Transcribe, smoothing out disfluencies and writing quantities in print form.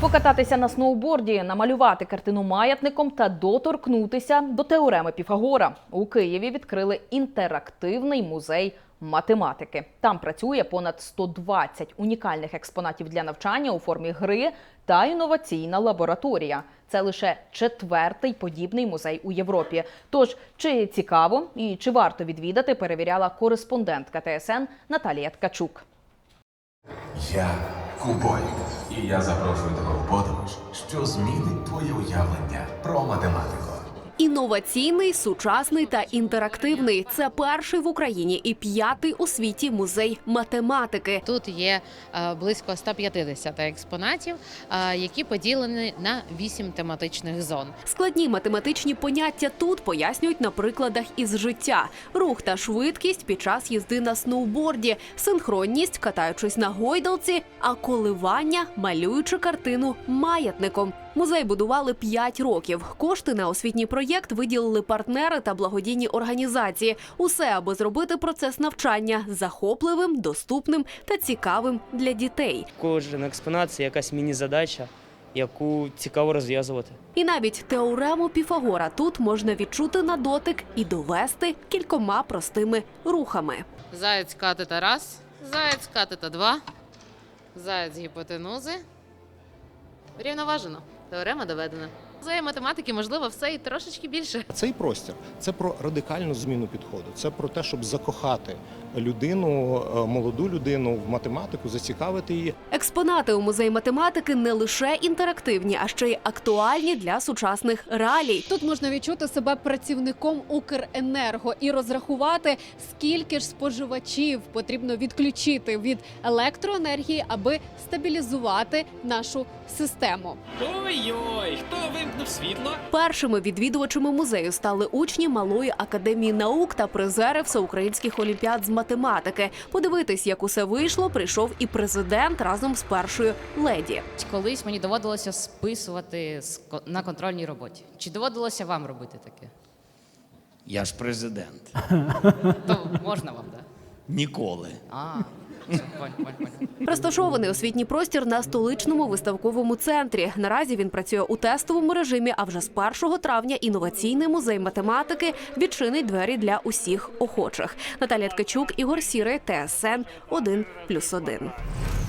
Покататися на сноуборді, намалювати картину маятником та доторкнутися до теореми Піфагора. У Києві відкрили інтерактивний музей математики. Там працює понад 120 унікальних експонатів для навчання у формі гри та інноваційна лабораторія. Це лише 4-й подібний музей у Європі. Тож, чи цікаво і чи варто відвідати, перевіряла кореспондентка ТСН Наталія Ткачук. Я Кубой, і я запрошую тебе у подорож, що змінить твоє уявлення про математику. Інноваційний, сучасний та інтерактивний – це перший в Україні і 5-й у світі музей математики. Тут є близько 150 експонатів, які поділені на 8 тематичних зон. Складні математичні поняття тут пояснюють на прикладах із життя. Рух та швидкість під час їзди на сноуборді, синхронність, катаючись на гойдалці, а коливання, малюючи картину маятником. Музей будували 5 років. Кошти на освітній проєкт виділили партнери та благодійні організації. Усе, аби зробити процес навчання захопливим, доступним та цікавим для дітей. Кожен експонат – це якась міні-задача, яку цікаво розв'язувати. І навіть теорему Піфагора тут можна відчути на дотик і довести кількома простими рухами. Заєць катета раз, заєць катета два, заєць гіпотенузи. Рівноважено. Теорема доведена. За математики можливо все і трошечки більше. Цей простір – це про радикальну зміну підходу. Це про те, щоб закохати людину, молоду людину в математику, зацікавити її. Експонати у музеї математики не лише інтерактивні, а ще й актуальні для сучасних реалій. Тут можна відчути себе працівником Укренерго і розрахувати, скільки ж споживачів потрібно відключити від електроенергії, аби стабілізувати нашу систему. Ой-ой, хто вимкнув світло? Першими відвідувачами музею стали учні Малої академії наук та призери всеукраїнських олімпіад з математики. Подивитись, як усе вийшло, прийшов і президент разом з першою леді. Колись мені доводилося списувати на контрольній роботі. Чи доводилося вам робити таке? Я ж президент. То можна вам, так? Ніколи. Розташований освітній простір на столичному виставковому центрі. Наразі він працює у тестовому режимі, а вже з 1 травня інноваційний музей математики відчинить двері для усіх охочих. Наталія Ткачук, Ігор Сірий, ТСН 1+1.